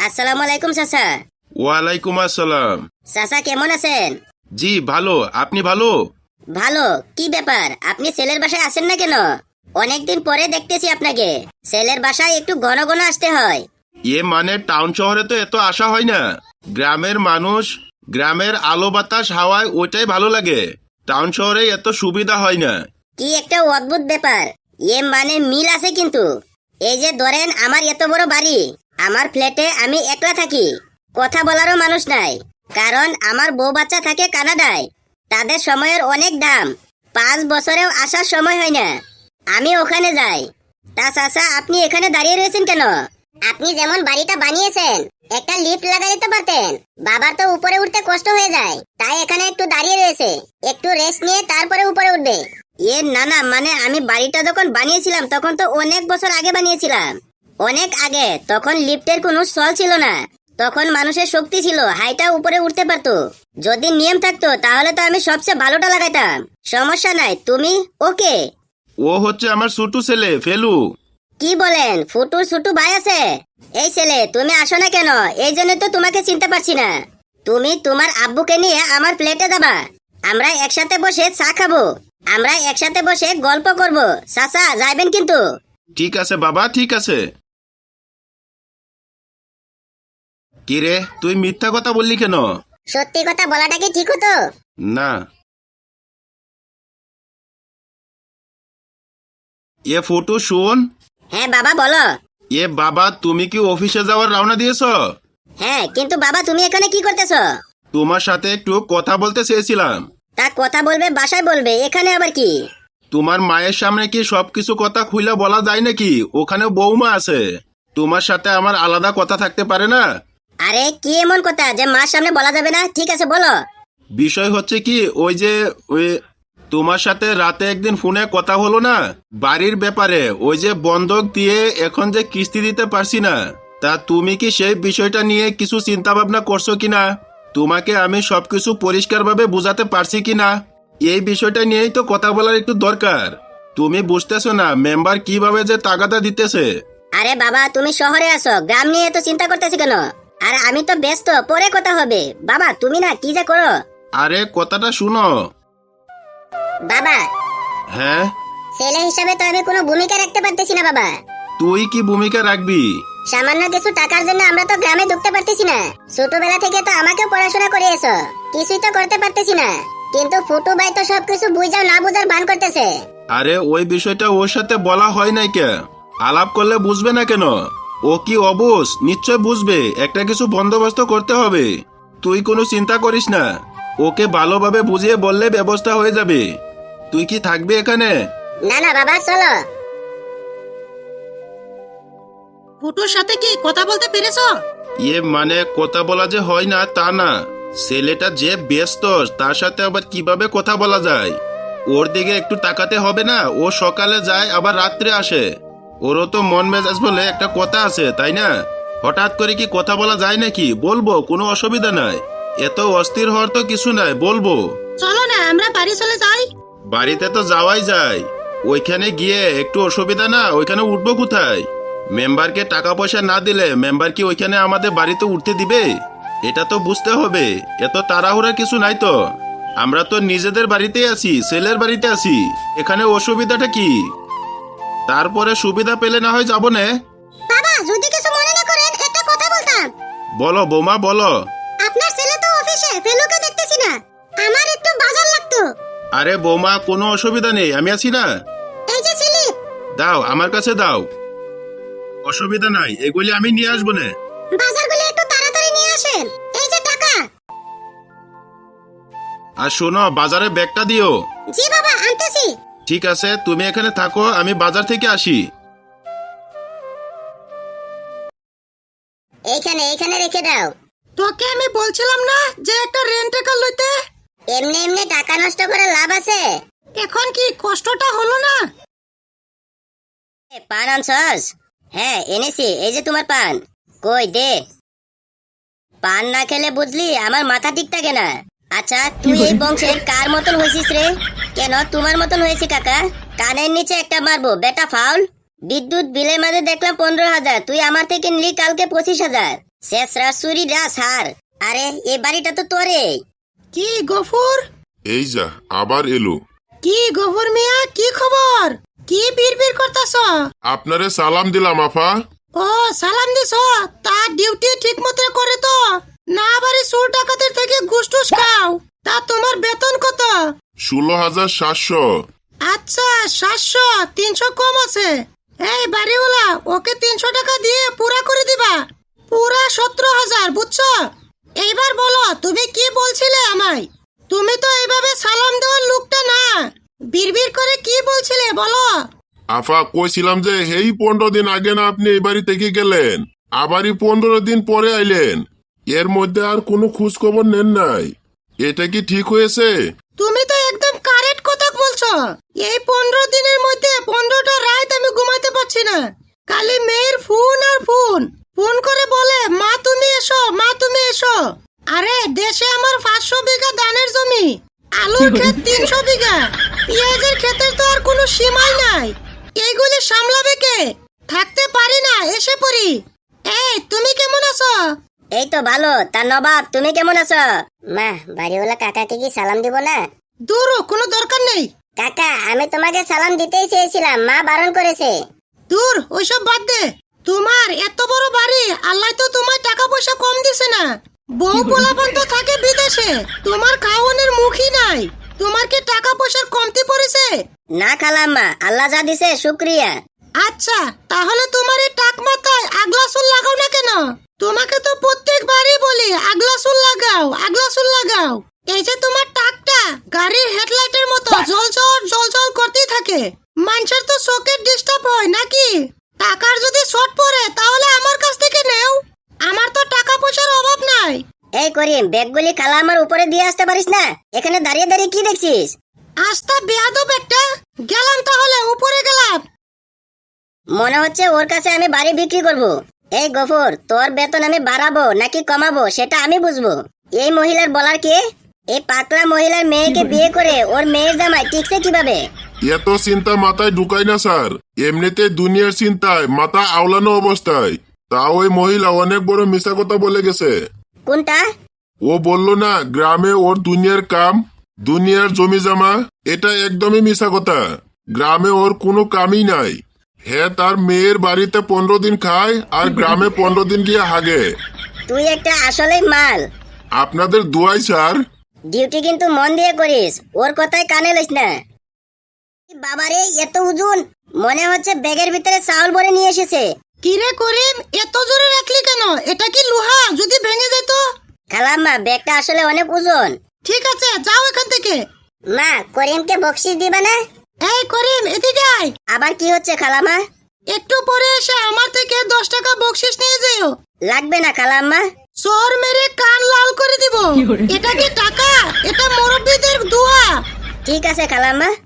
আসসালামু আলাইকুম চাচা। ওয়ালাইকুম আসসালাম। চাচা কেমন আছেন? জি ভালো, আপনি ভালো? ভালো। কি ব্যাপার, আপনি ছেলের বাসায় আসেন না কেন? অনেকদিন পরে দেখতেছি আপনাকে। ছেলের বাসায় একটু ঘন ঘন আসতে হয়। মানে টাউন শহরে তো এত আসা হয় না। গ্রামের মানুষ, গ্রামের আলো বাতাস হাওয়ায় ওইটাই ভালো লাগে। টাউন শহরে এত সুবিধা হয় না। কি একটা অদ্ভুত ব্যাপার। মানে মিল আছে কিন্তু। এই যে ধরেন, আমার এত বড় বাড়ি, আমার ফ্ল্যাটে আমি একলা থাকি, কথা বলারও মানুষ নাই। কারণ আমার বউ বাচ্চা থাকে কানাডায়, তাদের সময়ের অনেক দাম। 5 বছরেও আসার সময় হয় না, আমি ওখানে যাই। তা চাচা, আপনি এখানে দাঁড়িয়ে রয়েছেন কেন? আপনি যেমন বাড়িটা বানিয়েছেন, একটা লিফট লাগাই দিতে পারতেন। বাবার তো উপরে উঠতে কষ্ট হয়ে যায়, তাই এখানে একটু দাঁড়িয়ে রয়েছে, একটু রেস্ট নিয়ে তারপরে উপরে উঠবে। না না, মানে আমি বাড়িটা যখন বানিয়েছিলাম তখন তো অনেক বছর আগে বানিয়েছিলাম, অনেক আগে। তখন লিফটের কোনো চল ছিল না, তখন মানুষের শক্তি ছিল, হাইটা উপরে উঠতে পারতো। যদি নিয়ম থাকতো তাহলে তো আমি সবচেয়ে ভালোটা লাগাইতাম। সমস্যা নাই, তুমি ওকে? ও হচ্ছে আমার ছোট ছেলে ফেলু। কি বলেন, ফুটুর ছোট ভাই আছে? এই ছেলে, তুমি আসো না কেন? এই জন্য তো তোমাকে চিনতে পারছি না। তুমি তোমার আব্বুকে নিয়ে আমার ফ্ল্যাটে যাবা, আমরা একসাথে বসে চা খাবো, আমরা একসাথে বসে গল্প করব। চাচা যাইবেন কিন্তু। ঠিক আছে বাবা, ঠিক আছে। কিরে, তুই মিথ্যা কথা বললি কেন? সত্যি কথা বলাটা কি ঠিক হতো? না। ফটো শোন। হ্যাঁ বাবা, বলো। বাবা, তুমি কি অফিসে যাওয়ার রওনা দিয়েছো? হ্যাঁ, কিন্তু বাবা তুমি এখানে কি করতেছো? তোমার সাথে একটু কথা বলতে চেয়েছিলাম। তা কথা বলবে বাসায় বলবে, এখানে আবার কি? তোমার মায়ের সামনে কি সবকিছু কথা খুলে বলা যায় নাকি? ওখানে বৌমা আছে, তোমার সাথে আমার আলাদা কথা থাকতে পারে না? আরে কি এমন কথা যে মার সামনে বলা যাবে না? ঠিক আছে বলো। বিষয় হচ্ছে কি, ওই তোমার সাথে রাতে একদিন ফোনে কথা হলো না, বাড়ির ব্যাপারে। ওই যে বন্ধক দিয়ে এখন যে কিস্তি দিতে পারছি না, তা তুমি কি সেই বিষয়টা নিয়ে কিছু চিন্তা ভাবনা করছো কিনা? তোমাকে আমি সবকিছু পরিষ্কারভাবে বুঝাতে পারছি কিনা, এই বিষয়টা নিয়েই তো কথা বলার একটু দরকার। তুমি বুঝতেছো না মেম্বার কিভাবে যে তাগাদা দিতেছে? আরে বাবা, তুমি শহরে আছো, গ্রাম নিয়ে তো চিন্তা করতেছি কেন? আর আমি তো ব্যস্ত, পরে কথা হবে। বাবা তুমি না কি যে করো। আরে কথাটা শুনো। বাবা, হ্যাঁ? ছেলে হিসাবে তো আমি কোনো ভূমিকা রাখতে পারতেছি না বাবা। তুই কি ভূমিকা রাখবি? সামান্য কিছু টাকার জন্য আমরা তো গ্রামে ঢুকতে পারতেছি না। ছোটবেলা থেকে তো আমাকেও পড়াশোনা করিয়েছো, কিছুই তো করতে পারতেছি না। কিন্তু ফুটু ভাই তো সবকিছু বুঝাও না বুঝার ভান করতেছে। আরে ওই বিষয়টা ওর সাথে বলা হয় নাই কে? আলাপ করলে বুঝবে না কেন? ও কি অবুঝ? নিশ্চয় বুঝবে, একটা কিছু বন্দোবস্ত করতে হবে। তুই কোনো চিন্তা করিস না, ওকে ভালোভাবে বুঝিয়ে বললে ব্যবস্থা হয়ে যাবে। তুই কি থাকবি এখানে? না না বাবা, চলো। ফুটোর সাথে কি কথা বলতে পেরেছো? মানে কথা বলা যে হয় না তা না, ছেলেটা যে ব্যস্ত, তার সাথে আবার কিভাবে কথা বলা যায়? ওর দিকে একটু তাকাতে হবে না? ও সকালে যায় আবার রাত্রে আসে, ওরও তো মন মেজাজ বলে একটা কথা আছে, তাই না? হঠাৎ করে কি কথা বলা যায় নাকি? বলবো, কোনো অসুবিধা নাই, এত অস্থির হওয়ার তো কিছু নাই, বলবো। চলো না আমরা বাড়ি চলে যাই। বাড়িতে তো যাওয়াই যায়, ওইখানে গিয়ে একটু অসুবিধা না? ওইখানে উঠবো কোথায়? মেম্বারকে টাকা পয়সা না দিলে মেম্বার কি ওইখানে আমাদের বাড়িতে উঠতে দিবে? এটা তো বুঝতে হবে, এত তাড়াহুড়া কিছু নাই তো। আমরা তো নিজেদের বাড়িতেই আছি, ছেলের বাড়িতে আছি, এখানে অসুবিধাটা কি? তারপরে সুবিধা পেলে না হয় যাবো না। বাবা যদি কিছু মনে না করেন, একটা কথা বলতাম। বলো বৌমা, বলো। আপনার ছেলে তো অফিসে, ফেলুকে দেখতেছি না, আমার একটু বাজার লাগতো। আরে বৌমা, কোনো অসুবিধা নেই, আমি আছি না। এই যে স্লিপ। দাও, আমার কাছে দাও, অসুবিধা নাই, এগুলি আমি নিয়ে আসবো না। বাজারগুলো একটু তাড়াতাড়ি নিয়ে আসেন। এই যে টাকা। আর শোনো, বাজারে ব্যাগটা দিও। জি বাবা, আনতেছি। ঠিক আছে, তুমি এখানে থাকো, আমি বাজার থেকে আসি। এইখানে এইখানে রেখে দাও। তোকে আমি বলছিলাম না যে একটা রেন্ট কার লইতে? এমনি এমনি টাকা নষ্ট করে লাভ আছে? এখন কি কষ্টটা হলো না? পান আনছস? হ্যাঁ এনেছি, এই যে তোমার পান। কই দে। পান না খেলে বুঝলি আমার মাথা ঠিক থাকে না। আচ্ছা তুই এই বংশের কার মতন হয়েছিস রে? কেন তোমার মতন হয়েছে কাকা? কানের নিচে একটা মারবো বেটা ফাউল। বিদ্যুৎ বিলের মাঝে দেখলাম 15,000, তুই আমার থেকে নিলি কালকে 25,000। শেষরা চুরিরা স্যার। আরে এই বাড়িটা তো তোরে। কি গফুর? এই যা আবার এলো। কি গফুর মিয়া, কি খবর? কি বিড়বিড় করতাছ? আপনারে সালাম দিলাম আফা। ও সালাম দিছ? তার ডিউটি ঠিক মতো করে তো? না বাড়ি চোর ডাকাতের থেকে ঘুষ টুস খাও। তা তোমার বেতন কত? 16,700। আচ্ছা 700, 300 কম আছে। এই বাড়িওয়ালা, ওকে 300 টাকা দিয়ে পুরা করে দিবা। পুরা 17,000, বুঝছো? এইবার বলো তুমি কি বলছিলে আমায়? তুমি তো এইভাবে সালাম দেওয়ার লোকটা না। বিড়বিড় করে কি বলছিলে বলো? আফা কইছিলাম যে এই 15 দিন আগে না আপনি এই বাড়ি থেকে গেলেন, আবারই 15 দিন পরে আইলেন। এর মধ্যে আর কোনো খোঁজ খবর নেন নাই। এটা কি ঠিক হয়েছে? তুমি তো একদম কারেক্ট কথা বলছো। এই 15 দিনের মধ্যে 15টা রাত আমি ঘুমাতে পারছি না। খালি মেয়ের ফোন আর ফোন। ফোন করে বলে মা তুমি এসো, মা তুমি এসো। আরে দেশে আমার 500 বিঘা ধানের জমি, আলুর ক্ষেত 300 বিঘা, পেঁয়াজের ক্ষেতের তো আর কোনো সীমাই নাই। এইগুলি সামলাবে কে? থাকতে পারি না, এসে পড়ি। এই তুমি কেমন আছো? এই তো ভালো। তা নবাব তুমি কেমন আছো? মা, বাড়িওয়ালা কাকাকে কি সালাম দিব না? দূর, কোনো দরকার নেই। কাকা, আমি তোমাকে সালাম দিতেই চেয়েছিলাম, মা বারণ করেছে। দূর, ওইসব বাদ দে। তোমার এত বড় বাড়ি, আল্লাহ তো তোমার টাকা পয়সা কম দিছে না। বউ পোলাপান তো থাকে বিদেশে, তোমার খাওয়ানোর মুখই নাই। তোমার কি টাকা পয়সার কমতি পড়েছে? না খালাম্মা, আল্লাহ যা দিছে শুক্রিয়া। আচ্ছা, তাহলে তোমার এই টাক মাথায় আগলা চুল লাগাও না কেন? তোমাকে তো প্রত্যেকবারই বলি আগলা চুল লাগাও, আগলা চুল লাগাও। এই যে তোমার টাকটা গাড়ির হেডলাইটের মতো জল করতেই থাকে। মানুষের তো চোখের ডিস্টার্ব হয় নাকি? টাকার যদি শর্ট পড়ে তাহলে আমার কাছ থেকে নেও। আমার তো টাকা পয়সার অভাব নাই। এই করিম, ব্যাগগুলি খালাম্মার উপরে দিয়ে আসতে পারিস না? এখানে দাঁড়িয়ে দাঁড়িয়ে কি দেখছিস? আস্তা বেয়াদব একটা। গেলাম তাহলে, উপরে গেলাম। মনে হচ্ছে ওর কাছে আমি বাড়ি বিক্রি করব। এই গফুর, তোর বেতন আমি বাড়াবো নাকি কমাবো সেটা আমি বুঝবো। এই মহিলার বলার কে? এই পাকলা মহিলার মেয়েকে বিয়ে করে ওর মেয়ের জামাই টিকছে কিভাবে? এত চিন্তা মাথায় ঢুকাই না স্যার। এমনিতে দুনিয়ার চিন্তায় মাথা আওলানো অবস্থায় তা ওই মহিলা অনেক বড় মিথ্যা কথা বলে গেছে। কোনটা? ও বলল না গ্রামে ওর দুনিয়ার কাম, দুনিয়ার জমি জমা। এটা একদমই মিথ্যা কথা। গ্রামে ওর কোনো কামই নাই। হ্যাঁ, তার মেয়ের বাড়িতে 15 দিন খায় আর গ্রামে 15 দিন গিয়ে হাগে। তুই একটা আসলেই মাল। আপনাদের দুয়াই স্যার। ডিউটি কিন্তু মন দিয়ে করিস, ওর কথায় কানে লইস না। বাবারে, এত ওজন! মনে হচ্ছে ব্যাগের ভিতরে চাউল ভরে নিয়ে এসেছে। কিরে করিম, এত জোরে রাখলি কেন? এটা কি লোহা? যদি ভেঙে যেত? খালাম্মা, ব্যাগটা আসলে অনেক ওজন। ঠিক আছে, যাও এখান থেকে। মা, করিমকে বকশিস দিবা না? এই করিম, এদিকে আয়। আবার কি হচ্ছে খালাম্মা? একটু পরে এসে আমার থেকে 10 টাকা বকশিস নিয়ে যেও। লাগবে না খালাম্মা। চোর মেরে কান লাল করে দিব। এটা কি টাকা? এটা মুরব্বীদের দোয়া। ঠিক আছে খালাম্মা।